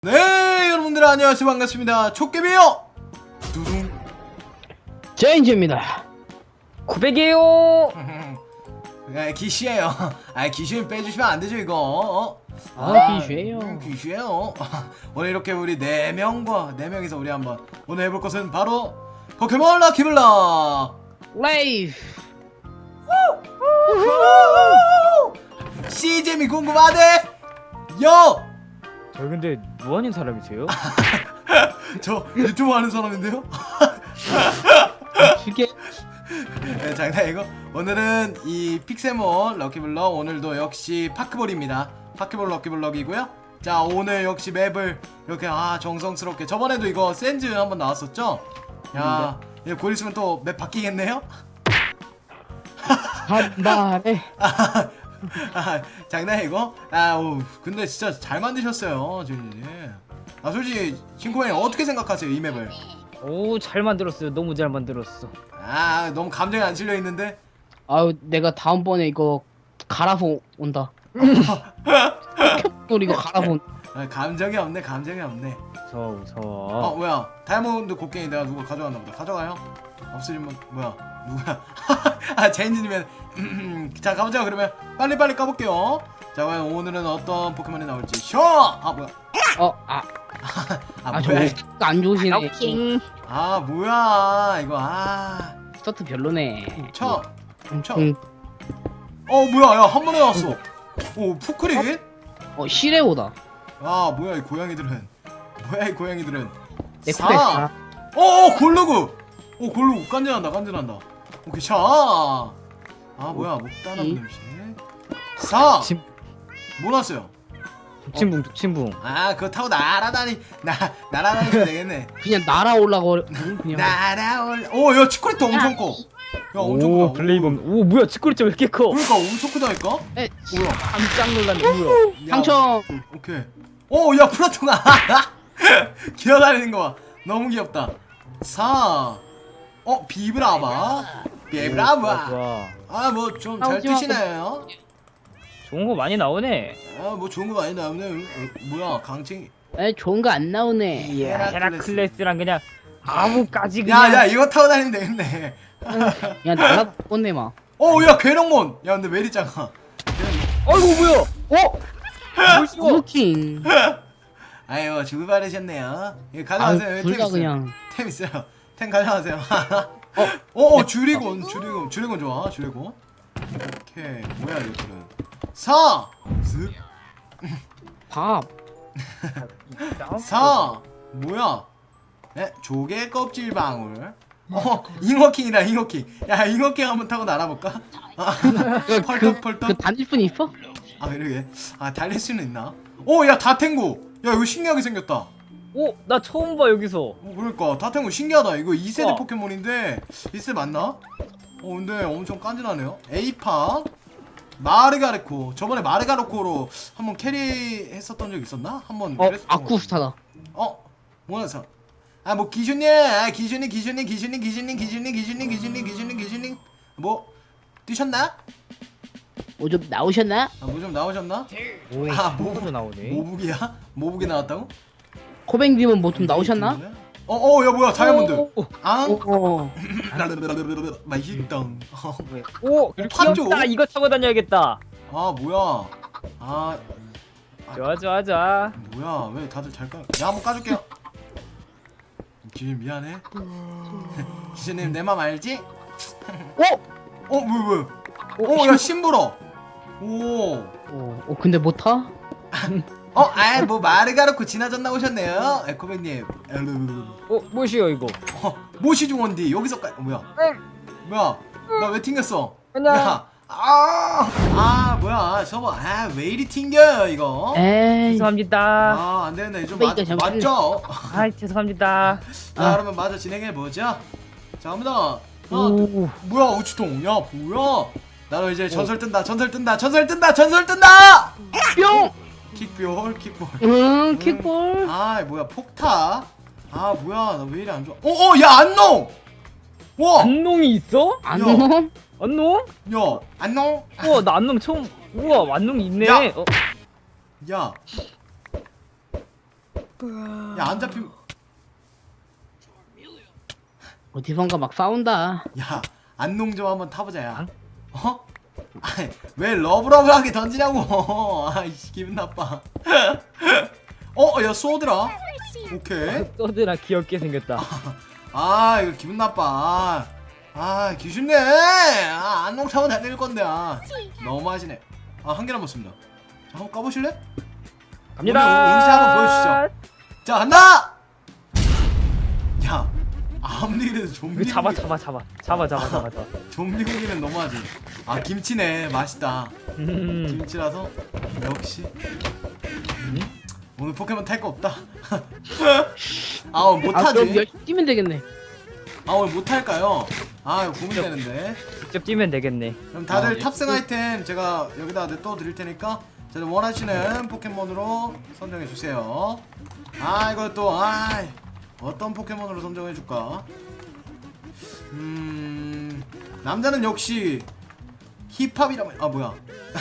네, 여러분들 안녕하세요. 반갑습니다. 촉개비요. 두둥. 제인지입니다. 900이에요. 기시예요. 기시는 빼주시면 안 되죠 이거. 기슈예요. 기시예요. 오늘 이렇게 우리 4명이서 우리 한번 오늘 해볼 것은 바로 포켓몬 럭키블럭. 레이프. 시잼이 궁금하대. 요. 저 근데 뭐하는 사람이세요? 저 유튜브 하는 사람인데요. 죽게. 네, 장난이고 오늘은 이 픽세몬 럭키블럭 오늘도 역시 파크볼입니다. 파크볼 럭키블럭이고요. 자, 오늘 역시 맵을 이렇게 정성스럽게 저번에도 이거 센즈 한번 나왔었죠? 야, 이거 곧 있으면 또 맵 바뀌겠네요? 한발에. 장난이고? 근데 진짜 잘 만드셨어요, 진이. 솔직히 진코맨 어떻게 생각하세요, 이 맵을? 오, 잘 만들었어요. 너무 잘 만들었어. 너무 감정이 안 실려 있는데? 아유, 내가 다음번에 이거 갈아서 온다. 캡돌 이거 갈아서 온다. 감정이 없네. 무서워. 뭐야, 다이아몬드 곡괭이 내가 누가 가져갔나 보다. 가져가요? 없으면 뭐야, 누구야? 제인지님은 자, 가보자. 그러면 빨리 까볼게요. 자, 과연 오늘은 어떤 포켓몬이 나올지 쇼! 뭐야, 저거 안 좋으시네. 뭐야 이거. 스타트 별로네. 쳐. 응. 뭐야, 야, 한 번에 나왔어. 오, 푸크릿? 시레오다. 뭐야 이 고양이들은. 네코데스. 골로그. 골로그 간지난다. 오케이, 샤. 뭐야, 목단한 냄새. 4. 뭐 났어요? 독침붕. 그거 타고 날아다니면 되겠네. 그냥 날아올라고 그냥. 야, 치코리트 엄청 커. 야, 엄청 오, 크다. 블레이범. 오, 뭐야, 치코리짜 왜 이렇게 커? 그러니까 엄청 크다니까? 뭐야? 깜짝 놀랐네. 뭐야? 야, 상처. 오케이. 야, 플라톤아. 기어다니는 거 봐. 너무 귀엽다. 4. 비브라바. 좋아. 뭐 좀 잘 뜨시나요? 좋은 거 많이 나오네. 뭐 좋은 거 많이 나오네. 뭐야, 강칭. 좋은 거 안 나오네. 헤라클레스랑 그냥 아무까지 그냥. 야, 이거 타고 다니면 되겠네. 그냥 날아갔네 막. 야, 괴력몬. 야, 근데 왜 이리 작아? 아이고, 뭐야? 루킹. 아유, 주바르셨네요. 이거 가져가세요. 둘 다 그냥. 템 있어요. 템 가져가세요. 주리곤 좋아. 주리곤. 오케이. 뭐야, 이거는. 4. 슥. 밥. 4. 뭐야? 조개 껍질 방울. 잉어킹이다, 잉어킹. 야, 잉어킹 한번 타고 날아볼까? 펄떡. 그 다닐 분 있어? 그러게. 달릴 수는 있나? 야, 다탱구. 야, 이거 신기하게 생겼다. 오, 나 처음 봐 여기서. 그러니까 다탱구 신기하다. 이거 2세대 어. 포켓몬인데 2세대 맞나? 근데 엄청 깐진하네요. 에이파 마르가르코. 저번에 마르가르코로 한번 캐리했었던 적 있었나? 한번 그랬었던 것 아쿠스타다. 뭐야, 뭐 기준님 뭐 뛰셨나? 좀 나오셨나? 뭐 좀 나오셨나? 뭐로 나오네. 모북이 나왔다고? 코뱅님은 뭐 좀 나오셨나? 야, 뭐야, 다이아몬드. 맛있다. 오, 팥죠? 귀엽다. 이거 타고 다녀야겠다. 뭐야. 좋아. 뭐야, 왜 다들 잘 까? 야, 한번 까줄게요. 기준 미안해. 기준님 내 맘 알지? 뭐야. 야, 심부러. 근데 못 타? 뭐 마르가르코 지나졌나 오셨네요. 에코백님. 뭐시여 이거? 모시 중원디 여기서 뭐야? 뭐야? 나 왜 튕겼어? 그냥. 야, 뭐야? 저거 왜 이리 튕겨요 이거? 에이. 죄송합니다. 안 되는데 좀 그러니까 잠깐만요. 맞죠? 죄송합니다. 자, 그러면 마저 진행해 보죠. 자, 갑니다. 오. 뭐야, 우치통? 야, 뭐야? 나도 이제 전설 뜬다. 뿅! 킥볼. 킥볼. 뭐야, 폭타. 뭐야, 나 왜 이리 안 좋아? 야, 안농. 와, 안농이 있어? 안녕? 안농? 야, 안농. 우와, 나 안농 처음. 우와, 안농이 있네. 야. 야. 야 안 잡힘. 어디선가 막 싸운다. 야 안농 좀 한번 타보자 야. 어? 아니 왜 러브러브하게 던지냐고. 아이씨 기분 나빠. 야 쏘드라. 오케이. 소드라 귀엽게 생겼다. 아 이거 기분 나빠. 아 귀신네. 안농 타면 다 될 건데. 너무하시네. 한 개나 먹습니다. 자, 한번 까보실래? 갑니다. 오늘 운세 한번 보여주시죠. 자 간다. 야 아무리 그래도 좀비 잡아 고기- 잡아 잡아 잡아 잡아 잡아 잡아. 좀비 고기는 너무하지. 김치네 맛있다. 음. 김치라서 역시 오늘 포켓몬 탈 거 없다. 오늘 아 그럼 못하지. 열심히 뛰면 되겠네. 오늘 못할까요? 이거 고민되는데. 직접 뛰면 되겠네. 그럼 다들 아, 탑승 아이템 제가 여기다 또 드릴 테니까 다들 원하시는 포켓몬으로 선정해 주세요. 이거 또 어떤 포켓몬으로 선정해 줄까? 남자는 역시 힙합이라면 뭐야?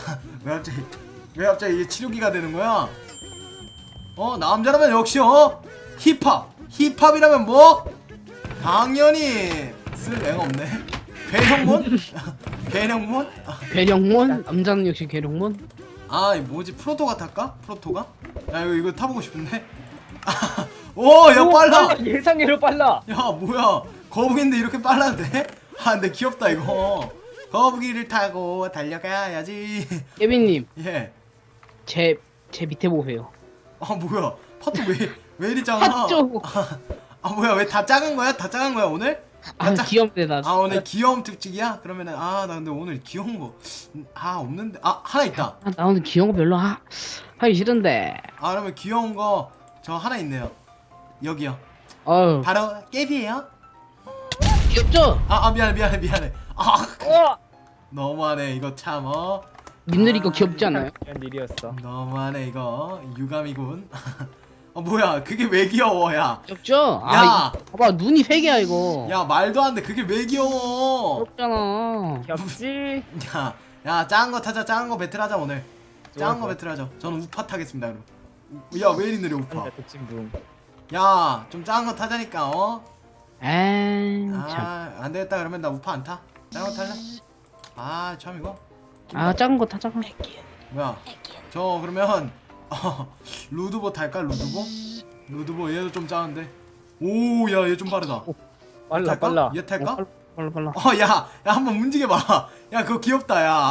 왜 갑자기 이게 치료기가 되는 거야? 남자라면 역시 힙합이라면 뭐? 당연히 쓸 애가 없네. 괴형몬? 괴형몬? 괴력몬? 남자는 역시 괴력몬? 이 뭐지 프로토가 탈까? 프로토가? 야 이거 타보고 싶은데? 야 오, 빨라! 예상외로 빨라. 야 뭐야 거북인데 이렇게 빨라도 돼? 근데 귀엽다 이거. 거북이를 타고 달려가야지. 깨빈님 예. 제 밑에 보세요. 뭐야 파트 왜 이리 작아? 핫죠? 뭐야 왜 다 작은 거야? 다 작은 거야 오늘? 귀엽네 나. 오늘 귀여움 특집이야? 그러면은 나 근데 오늘 귀여운 거 없는데 하나 있다. 나 오늘 귀여운 거 별로 하기 싫은데. 그러면 귀여운 거 저 하나 있네요. 여기요. 어우 바로 깨비예요. 귀엽죠? 미안해. 어. 너무하네 이거 참 님들 이거 귀엽지 않아요? 이런 일이었어. 너무하네 이거 유감이군. 뭐야 그게 왜 귀여워 야. 귀엽죠? 야. 봐봐 눈이 세 개야 이거. 야 말도 안 돼 그게 왜 귀여워. 귀엽잖아. 귀엽지? 야 작은 거 타자. 작은 거 배틀하자 오늘. 작은 거 좋아. 배틀하자. 저는 우파 타겠습니다 그럼. 야 왜 이리 느려 우파. 한자 독침붕. 야 좀 작은 거 타자니까 에이 참. 안 되겠다 그러면 나 우파 안 타. 작은 거 탈래? 참 이거 작은 거 타자. 뭐야 저 그러면 루드보 탈까? 루드보 얘도 좀 작은데. 야 얘 좀 빠르다. 빨라 탈까? 빨라. 얘 탈까? 빨라. 야 한번 움직여봐. 야 그거 귀엽다 야.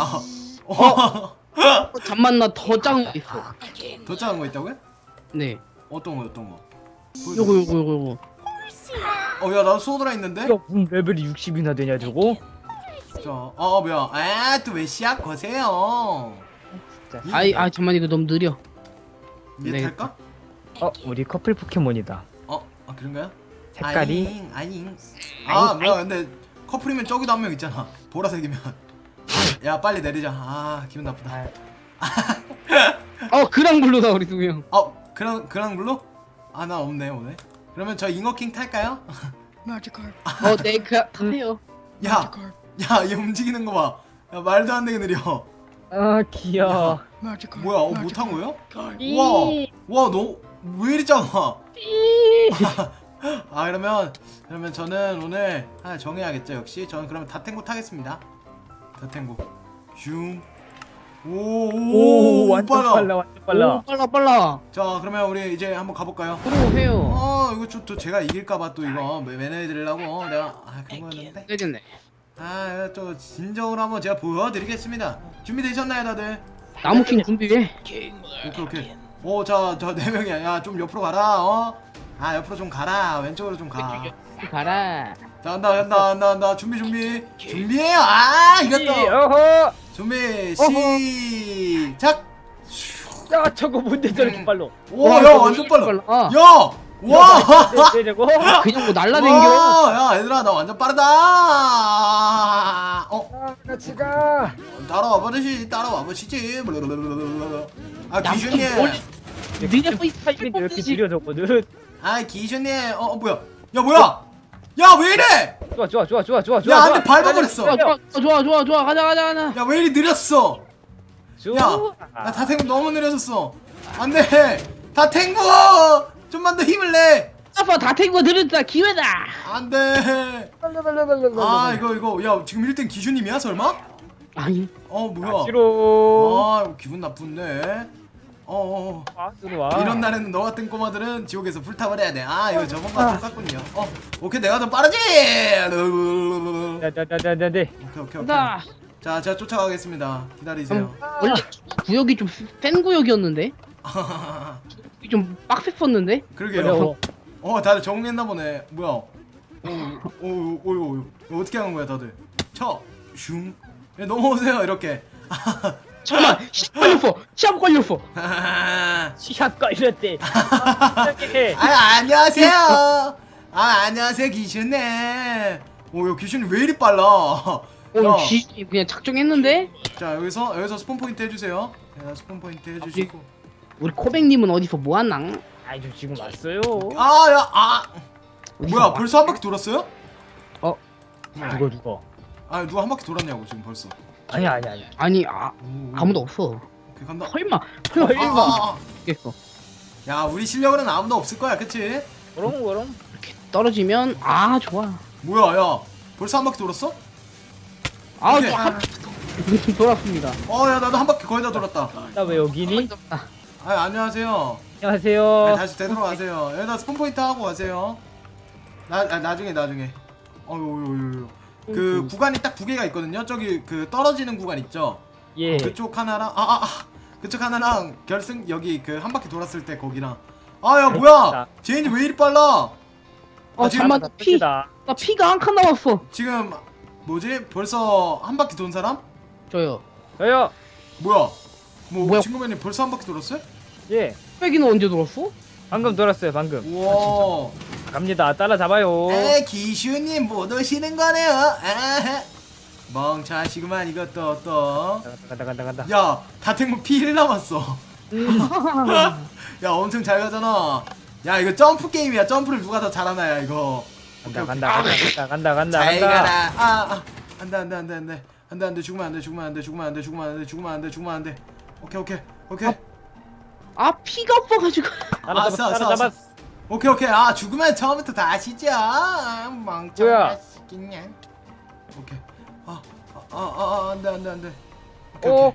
잠만 나 더 작은 거 있어. 더 작은 거 있다고요? 네. 어떤 거? 요거. 야 나도 소드라 있는데? 야, 무슨 레벨이 60이나 되냐 저거? 뭐야 또 왜 시작 거세요? 진짜. 잠만 이거 너무 느려. 얘 네. 탈까? 우리 커플 포켓몬이다. 그런가요? 색깔이 아잉 뭐야 근데 커플이면 저기도 한 명 있잖아 보라색이면. 야 빨리 내리자. 기분 나쁘다. 그랑블루다 우리 두구 형. 그랑블루? 나 없네 오늘. 그러면 저 잉어킹 탈까요? 네 타세요. 야얘 움직이는 거 봐. 야 말도 안 되게 느려. 귀여워. 뭐야 못한 거예요? 와 너 왜 이리 작아? 그러면 저는 오늘 하나 정해야겠죠. 역시 저는 그러면 다탱고 타겠습니다. 다탱고 오, 완전 빨라 완전 빨라. 오, 빨라. 자 그러면 우리 이제 한번 가볼까요? 들어오세요. 이거 또 제가 이길까봐 또 이거 매너해드리려고 내가 그런 거였는데. 되겠네. 이거 또 진정으로 한번 제가 보여드리겠습니다. 준비되셨나요 다들? 나무킹 준비해. 오케이. 저 4명이야. 야 좀 옆으로 가라. 옆으로 좀 가라. 왼쪽으로 좀 가. 가라. 자 간다. 준비해요. 이겼다. 어허. 준비 시작. 야 저거 뭔데 저렇게 빨라? 야 완전 빨라. 야 와. 되려고? 그냥 뭐 날라댕겨. 야 얘들아 나 완전 빠르다. 같이 가. 따라와보시지. 기준님. 니네 뭐 타이밍이 이렇게 느려졌거든. 기준님. 뭐야? 야 왜 이래? 좋아. 야 안돼 밟아버렸어. 좋아. 가자. 야 왜 이리 느렸어? 좋아. 나 다탱고 너무 느려졌어. 안돼. 다탱고 좀만 더 힘을 내. 아빠 다탱고 들었다 기회다. 안돼. 아 이거 야 지금 1등 기슈님이야 설마? 아니 뭐야? 싫어. 기분 나쁜데. 들어와. 이런 날에는 너 같은 꼬마들은 지옥에서 불타버려야 돼. 이거 저번과 똑같군요. 오케이 내가 더 빠르지. 네네네네네. 오케이. 간다. 자 제가 쫓아가겠습니다. 기다리세요. 원래 구역이 좀 센 구역이었는데 좀 빡셌었는데. 그러게요. 다들 정리했나 보네. 뭐야? 오, 어떻게 하는 거야, 다들? 슝. 넘어오세요, 이렇게. 잠깐만 시합 걸렸어. 시합 걸렸대. 안녕하세요. 안녕하세요, 기준님. 야, 기준님 왜 이리 빨라? 야, 그냥 작정했는데. 자, 여기서 스폰 포인트 해주세요. 스폰 포인트 해주시고. 우리 코백님은 어디서 뭐하나? 아이 저 지금 왔어요. 뭐야, 벌써 한 바퀴 돌았어요? 누가? 누가 한 바퀴 돌았냐고 지금 벌써. 아니야. 아니 아무도 없어. 오케이, 간다. 설마 겠어. 야, 우리 실력으로는 아무도 없을 거야, 그치? 그럼. 이렇게 떨어지면 좋아. 뭐야, 야, 벌써 한 바퀴 돌았어? 오케이. 돌았습니다. 야, 나도 한 바퀴 거의 다 돌았다. 나 왜 여기니? 안녕하세요. 안녕하세요. 다시 되돌아가세요. 여기다 스폰 포인트 하고 가세요. 나중에. 그 구간이 딱 2개가 있거든요. 저기 그 떨어지는 구간 있죠. 예. 그쪽 하나랑 그쪽 하나랑 결승 여기 그 한 바퀴 돌았을 때 거기랑. 야 뭐야? 제인이 왜 이리 빨라? 잠깐만 나 피가 한 칸 남았어. 지금 뭐지? 벌써 한 바퀴 돈 사람? 저요. 뭐야? 뭐야? 친구맨이 벌써 한 바퀴 돌았어요? 예. 코백이는 언제 돌았어? 방금 돌았어요. 방금. 우와. 갑니다. 따라잡아요. 기슈님 못 오시는 거네요. 멍청하시구만 이것도 또. 간다. 야, 다탱무 피1 남았어. 야, 엄청 잘 가잖아. 야, 이거 점프 게임이야. 점프를 누가 더 잘하나야 이거. 간다. 잘 가라. 안돼. 죽으면 안 돼. 오케이. 피가 없어가지고. 따라잡았어. 오케이. 죽으면 처음부터 다시죠. 멍청한 새끼냐. 오케이. 안돼. 오케이.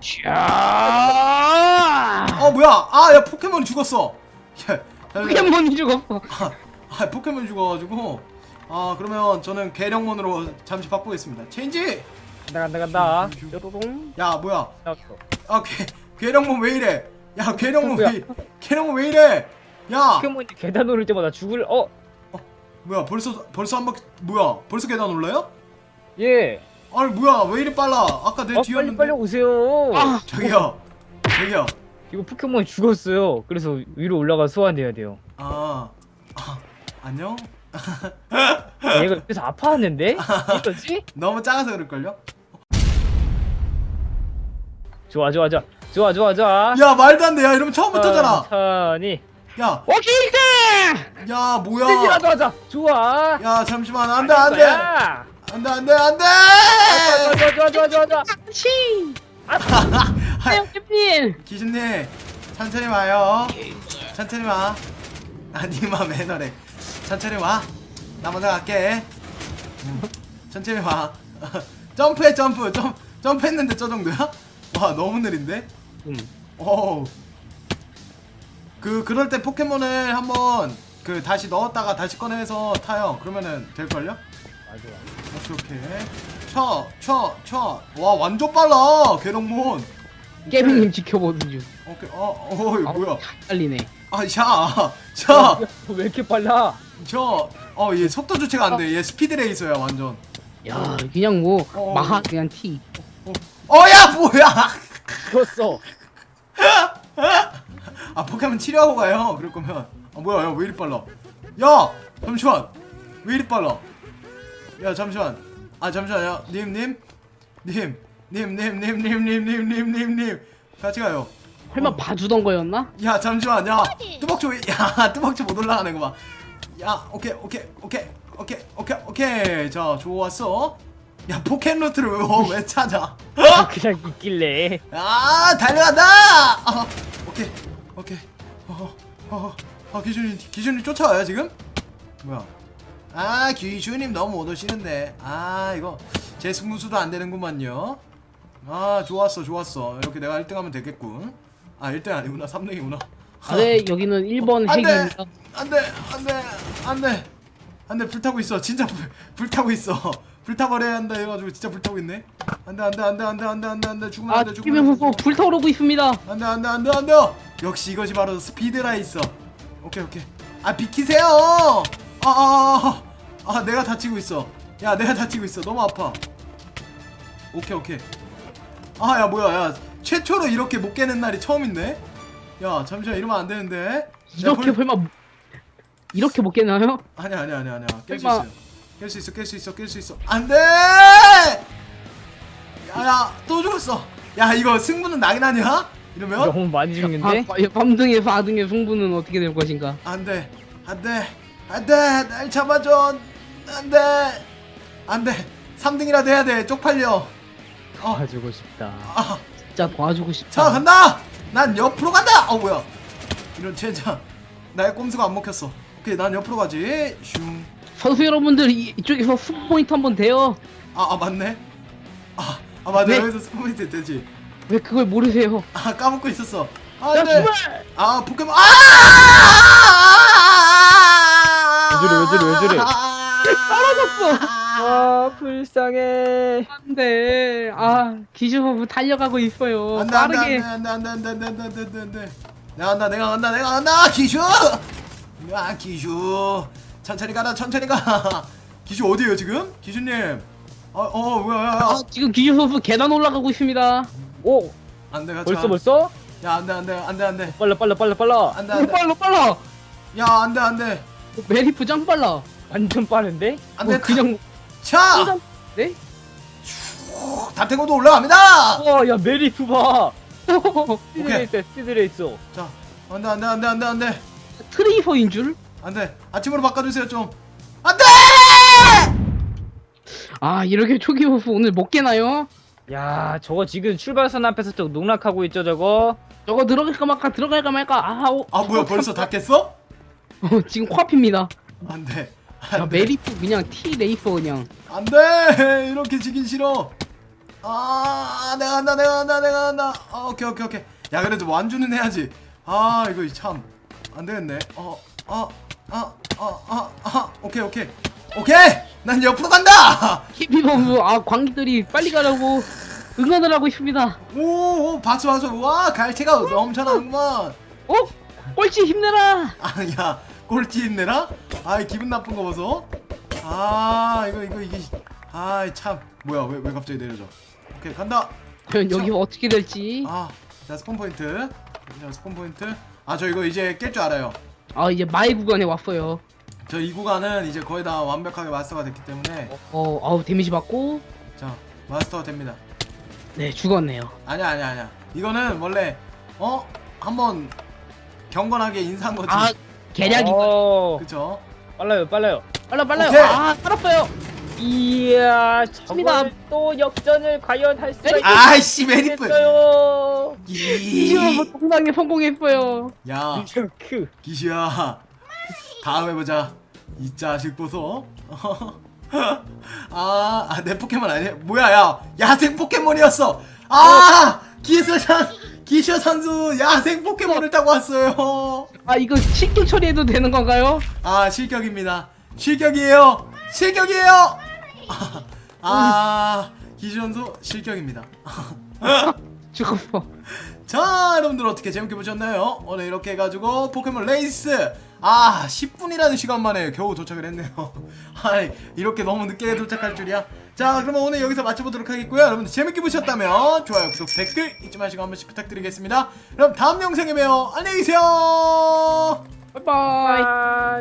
뭐야? 야, 포켓몬이 죽었어. 야, 포켓몬이 죽었어. 포켓몬이 죽어가지고. 그러면 저는 계령몬으로 잠시 바꾸겠습니다. 체인지. 간다. 뾰로롱. 야, 뭐야? 나왔어. 계령몬 왜 이래? 야, 계령몬 왜 이래? 야. 포켓몬이 계단 오를 때마다 죽을. 뭐야? 벌써 한 바퀴. 뭐야? 벌써 계단 올라요? 예. 아니 뭐야? 왜 이리 빨라? 아까 내 뒤였는데. 빨리 오세요. 저기요. 이거 포켓몬이 죽었어요. 그래서 위로 올라가 소환해야 돼요. 안녕? 얘가 옆에서 아파하는데? 이거지? 너무 작아서 그럴걸요? 좋아. 야, 말도 안 돼. 야, 이러면 처음부터잖아. 천천히. 야, 오케이. 야, 뭐야? 땡이라도 하자. 좋아. 야, 잠시만. 안 돼. 거야. 좋아. 치. 태용필. 기준님, 천천히 와요. 천천히 와. 니마 매너래. 천천히 와. 나 먼저 갈게. 천천히 와. 점프했는데 저 정도야? 와, 너무 느린데? 그럴 때 포켓몬을 한번 다시 넣었다가 다시 꺼내서 타요. 그러면은 될걸요? 맞아. 오케이. 와, 완전 빨라. 계룡몬. 깨비님 지켜보는 중. 오케이. 뭐야? 빨리네. 왜 이렇게 빨라? 얘 속도 조치가 안 돼. 얘 스피드 레이서야, 완전. 야 그냥 마하 그냥 티. 야, 뭐야? 죽었어. 포켓몬 치료하고 가요. 그럴 거면. 뭐야? 야, 왜 이리 빨라? 야, 잠시만. 왜 이리 빨라? 야, 잠시만. 잠시만요. 님. 같이 가요. 설마 봐주던 거였나? 야, 잠시만. 야, 뚜벅초 못 올라가는 거 봐. 야, 오케이. 자, 좋았어. 야, 포켓루트를 왜 찾아? 그냥 있길래. 달려간다. 오케이. 기준님 쫓아와요 지금? 뭐야? 아 기준님 너무 못 오시는데. 아 이거 제 승부수도 안 되는구만요. 아 좋았어 이렇게 내가 1등하면 되겠군. 아 1등 아니구나 3등이구나. 아, 네, 여기는 1번 안돼 핵입니다. 안돼 불타고 있어. 진짜 불타고 있어. 불타버려야 한다 해가지고 진짜 불타고 있네. 안돼 죽으면 아, 안돼 김영 선수 불타오르고 있습니다. 안돼 역시 이것이 바로 스피드 라이서. 오케이 아 비키세요. 내가 다치고 있어. 야 내가 다치고 있어. 너무 아파. 오케이 아 야 뭐야 야 최초로 이렇게 못 깨는 날이 처음인데. 야 잠시만 이러면 안 되는데. 이렇게 설마 이렇게 못 깨나요? 아니야 깰 수 설마. 있어요. 깰 수 있어 안돼. 야야 또 죽었어. 야 이거 승부는 나긴 하냐 이러면. 너무 많이 죽는데? 3등에 4등의 승부는 어떻게 될 것인가? 안돼 날 잡아줘. 안돼 3등이라도 해야 돼. 쪽팔려. 가지고 싶다. 진짜 도와주고 싶다. 자 간다. 난 옆으로 간다. 뭐야 이런 젠장. 나의 꼼수가 안 먹혔어. 오케이 난 옆으로 가지. 슝. 선수 여러분들 이쪽에서 승부 포인트 한번 돼요. 맞네. 맞네. 네. 여기서 스포인트 되지. 왜 그걸 모르세요? 까먹고 있었어. 야 안돼. 출발! 포켓몬. 왜 저래? 떨어졌어. 아 불쌍해. 안돼. 기주 선수 달려가고 있어요. 안돼 빠르게. 안돼. 내가 간다. 기슈. 기슈. 천천히 가라. 기슈 어디에요 지금? 기슈님. 뭐야. 지금 기주 선수 계단 올라가고 있습니다. 오 안돼 같이. 벌써? 야 안돼. 빨라. 안돼. 빨라. 야 안돼. 메리프 짱 빨라. 완전 빠른데? 안돼. 그냥 차. 네? 다탱고도 올라갑니다. 야 메리프 봐. 스피드레이스. 자 안돼. 트레이서인 줄? 안돼. 아침으로 바꿔주세요 좀. 안돼. 이렇게 초기 선수 오늘 못 깨나요? 야 저거 지금 출발선 앞에서 저 농락하고 있죠 저거. 저거 들어갈까 말까. 뭐야 벌써 다 깼어? 지금 코앞입니다. 안돼. 메리프 그냥 T 레이서 그냥. 안돼. 이렇게 지긴 싫어. 내가 간다. 오케이. 야 그래도 완주는 해야지. 이거 참 안되겠네. 오케이. 난 옆으로 간다. 키피 선수 관객들이 빨리 가라고 응원을 하고 있습니다. 오 봤어. 와 갈채가 넘쳐나는구만. 꼴찌 힘내라. 야 꼴찌 힘내라? 기분 나쁜 거 보소. 이게 참 뭐야 왜 갑자기 내려져. 오케이 간다. 과연 여기가 어떻게 될지. 자 스폰 포인트. 저 이거 이제 깰 줄 알아요. 이제 마의 구간에 왔어요. 저 이 구간은 이제 거의 다 완벽하게 마스터가 됐기 때문에 데미지 받고. 자 마스터가 됩니다. 네, 죽었네요. 아니야 이거는 원래 한번 경건하게 인사한 거지. 계략이. 그쵸. 빨라요. 빨라요. 오케이. 살았어요. 이야 습니다. 저걸 또 역전을 과연 할 수가 아이씨 메리프. 있겠어요. 기주 동상에 성공했어요. 야 크. 기시야 다음에 보자. 이 자식 보소. 내 포켓몬 아니야. 뭐야 야 야생 포켓몬이었어. 기시어 선수 야생 포켓몬을 타고 왔어요. 이거 실격 처리해도 되는 건가요? 실격입니다. 실격이에요. 기시어 선수 실격입니다. 죽었어. 자 여러분들 어떻게 재밌게 보셨나요? 오늘 이렇게 해가지고 포켓몬 레이스 10분이라는 시간 만에 겨우 도착을 했네요. 이렇게 너무 늦게 도착할 줄이야. 자 그러면 오늘 여기서 마쳐보도록 하겠고요. 여러분들 재밌게 보셨다면 좋아요 구독 댓글 잊지 마시고 한 번씩 부탁드리겠습니다. 그럼 다음 영상에 봬요. 안녕히 계세요. 바이바이. 바이.